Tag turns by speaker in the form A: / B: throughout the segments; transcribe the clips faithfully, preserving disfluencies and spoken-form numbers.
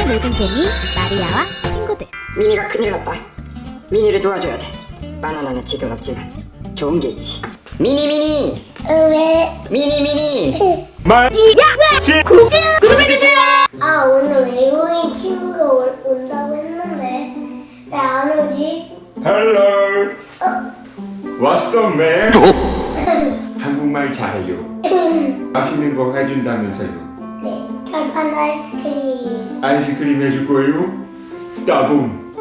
A: 함께 놀던 개미 마리아와 친구들.
B: 미니가 큰일 났다. 미니를 도와줘야 돼. 바나나는 지금 없지만 좋은 게 있지. 미니 미니
C: 왜?
B: 미니 미니
D: 말
A: 구독해주세요.
C: 아, 오늘 외국인 친구가 올, 온다고 했는데 왜 안 오지?
D: Hello.
C: 어?
D: What's up, man? 한국말 잘해요. 맛있는 거 해준다면서요.
C: 네, 철판 아이스크림.
D: 아이스크림 해줄 거예요? 따봉.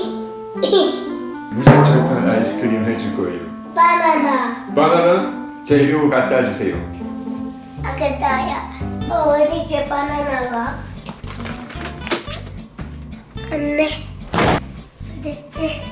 D: 무슨 철판 아이스크림 해줄 거예요?
C: 바나나.
D: 바나나? 재료 갖다 주세요.
C: 아, 그다야. 어, 어디지 바나나가? 안네. 어딨지?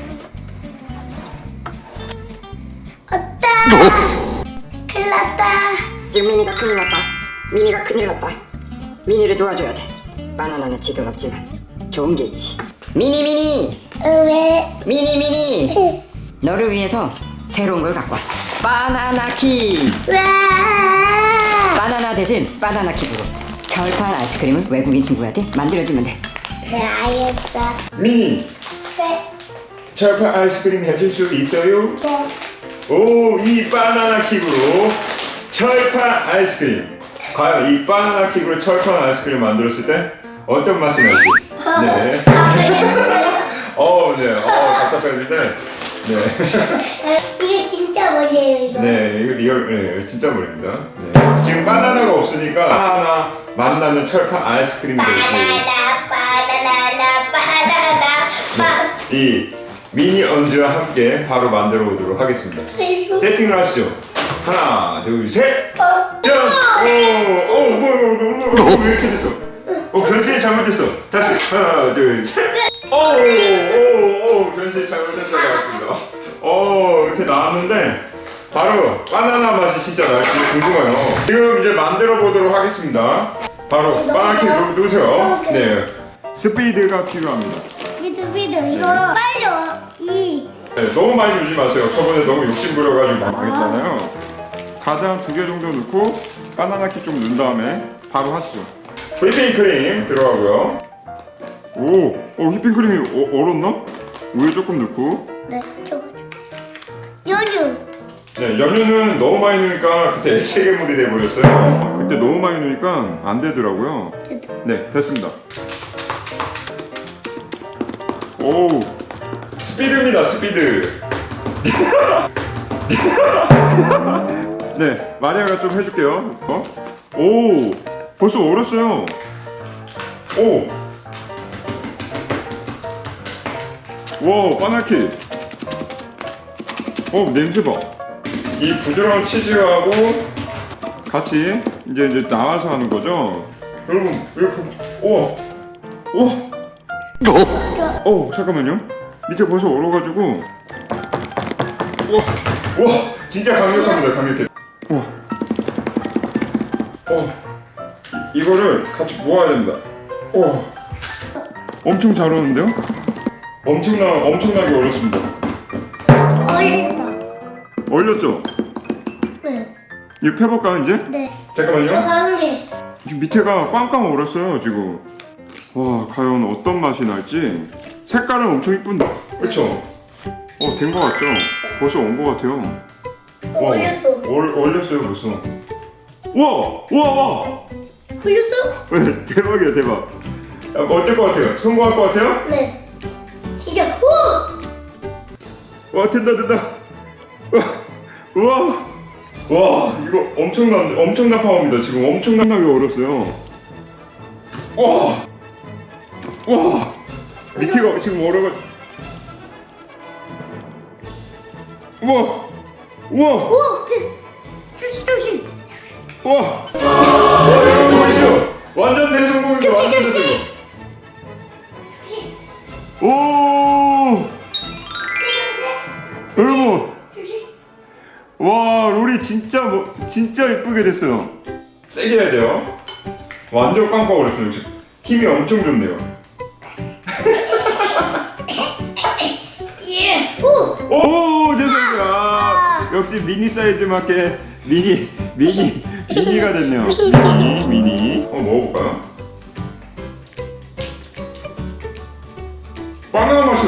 C: 없다. 큰일 났다.
B: 지금 미니가 큰일 났다. 미니가 큰일 났다. 미니를 도와줘야 돼. 바나나는 지금 없지만 좋은 게 있지. 미니 미니
C: 어, 왜?
B: 미니 미니 너를 위해서 새로운 걸 갖고 왔어. 바나나 킥.
C: 와!
B: 바나나 대신 바나나 킥으로 철판 아이스크림을 외국인 친구한테 만들어주면 돼.
C: 네, 알겠어.
D: 미니,
C: 네.
D: 철판 아이스크림 해줄 수 있어요?
C: 네.
D: 오, 이 바나나 킥으로 철판 아이스크림. 과연 이 바나나 킥으로 철판 아이스크림 만들었을 때 어떤 맛이 날지. 네. 어, 네. 어, 답답했는데. 네.
C: 이거 진짜 뭐예요, 이거?
D: 네, 이거 리얼, 네, 진짜 머리입니다. 네. 지금 바나나가 없으니까 바나나 만나는 철판 아이스크림이 되지.
C: 바나나, 바나나, 바나나, 바나나.
D: 이 미니 언즈와 함께 바로 만들어 보도록 하겠습니다.
C: 이거.
D: 세팅을 하시죠. 하나, 둘, 셋.
C: 어.
D: 짠! 오, 오, 뭐야, 뭐야, 뭐야, 뭐야, 왜 이렇게 됐어? 어, 변신이 잘못됐어. 다시 하나, 둘, 셋. 오, 오, 오, 변신이 잘못됐다고 하겠습니다. 오, 이렇게 나왔는데 바로 바나나 맛이 진짜 날지 궁금해요. 지금 이제 만들어 보도록 하겠습니다. 바로 바나나 킥 누- 누르세요. 네, 스피드가 필요합니다.
C: 미드, 미드, 이거 빨리 와. 이.
D: 네, 너무 많이 주지 마세요. 저번에 너무 욕심 부려가지고 망했잖아요. 가장 두 개 정도 넣고 바나나 킥 좀 넣은 다음에 바로 하시죠. 휘핑크림 들어가고요. 오, 어, 휘핑크림이 어, 얼었나? 우유 조금 넣고.
C: 네, 저거. 연유.
D: 네, 연유는 너무 많이 넣으니까 그때 액체 괴물이 돼버렸어요. 그때 너무 많이 넣으니까 안 되더라고요.
C: 됐다.
D: 네, 됐습니다. 오, 스피드입니다, 스피드. 네, 마리아가 좀 해줄게요. 어? 오, 벌써 얼었어요. 오, 와, 바나키. 어, 냄새 봐. 이 부드러운 치즈하고 같이 이제 이제 나와서 하는 거죠. 여러분, 이렇게, 우와, 우와. 어, 잠깐만요. 밑에 벌써 얼어가지고. 우와, 우와, 진짜 강력합니다, 강력해. 우와. 어, 이- 이거를 같이 모아야 됩니다. 우와. 엄청 잘 얼었는데요? 엄청나, 엄청나게 얼었습니다.
C: 얼렸다.
D: 얼렸죠?
C: 네.
D: 이거 펴볼까요, 이제?
C: 네. 저
D: 잠깐만요.
C: 가운데.
D: 지금 밑에가 꽝꽝 얼었어요, 지금. 와, 과연 어떤 맛이 날지. 색깔은 엄청 이쁜데. 그쵸? 어, 된 거 같죠? 벌써 온 거 같아요. 와,
C: 얼렸어.
D: 얼, 얼렸어요, 벌써. 와! 와, 와!
C: 얼렸어?
D: 네, 대박이야, 대박. 야, 어떨 것 같아요? 성공할 것 같아요?
C: 네. 진짜. 오!
D: 와, 된다, 된다. 와, 와, 와, 이거 엄청난, 엄청난 파워입니다. 지금 엄청나게 얼었어요. 와, 와, 밑에가 지금 얼어가. 와, 와,
C: 오! 그, 조심, 조심.
D: 와, 와, 여러분 보시죠. 완전 대성공입니다. 완전 대성공. 오, 여러분.
C: 조심.
D: 와, 롤이 진짜 뭐 진짜 예쁘게 됐어요. 세게 해야 돼요. 완전 꽝꽝 얼었어요. 역시 힘이 엄청 좋네요.
C: 예. 오!
D: 오, 죄송합니다. 아, 역시 미니 사이즈 맞게 미니 미니 미니가 됐네요. 미니 미니. 어, 먹어볼까요?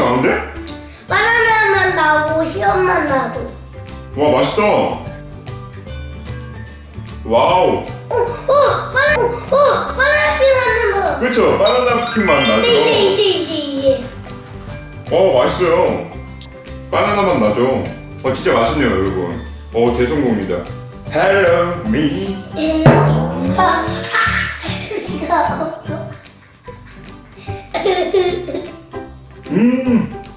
D: 나는데?
C: 바나나만 나오고 시럽만 나도.
D: 와 맛있다. 와우.
C: 어, 어, 바나, 어, 어, 바나나 크림 만든다.
D: 그쵸? 바나나 크림 맛 나죠?
C: 이제, 이제, 이제, 이제.
D: 어 맛있어요. 바나나 맛 나죠? 어 진짜 맛있네요 여러분. 어 대성공입니다. Hello me.
C: 아, 이거 없어.
D: 음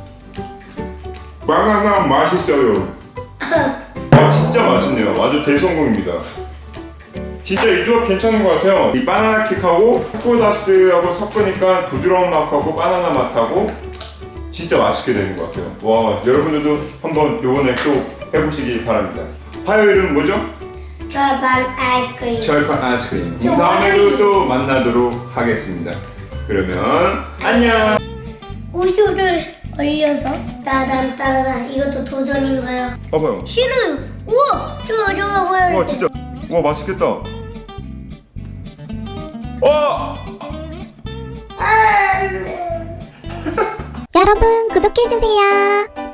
D: 바나나 맛있어요. 아 진짜 맛있네요. 아주 대성공입니다. 진짜 이 조합 괜찮은 것 같아요. 이 바나나 킥하고 코코다스하고 섞으니까 부드러운 맛하고 바나나 맛하고 진짜 맛있게 되는 것 같아요. 와 여러분들도 한번 요번에 또 해보시기 바랍니다. 화요일은 뭐죠?
C: 절반 아이스크림.
D: 철판 아이스크림. 그럼 다음에도 또 만나도록 하겠습니다. 그러면 안녕.
C: 우유를 얼려서 따단 따단. 이것도 도전인가요?
D: 봐봐요.
C: 신우. 우와, 저거 저거 보여.
D: 와 진짜 와 맛있겠다. 와
C: 안 돼.
A: 여러분 구독해주세요.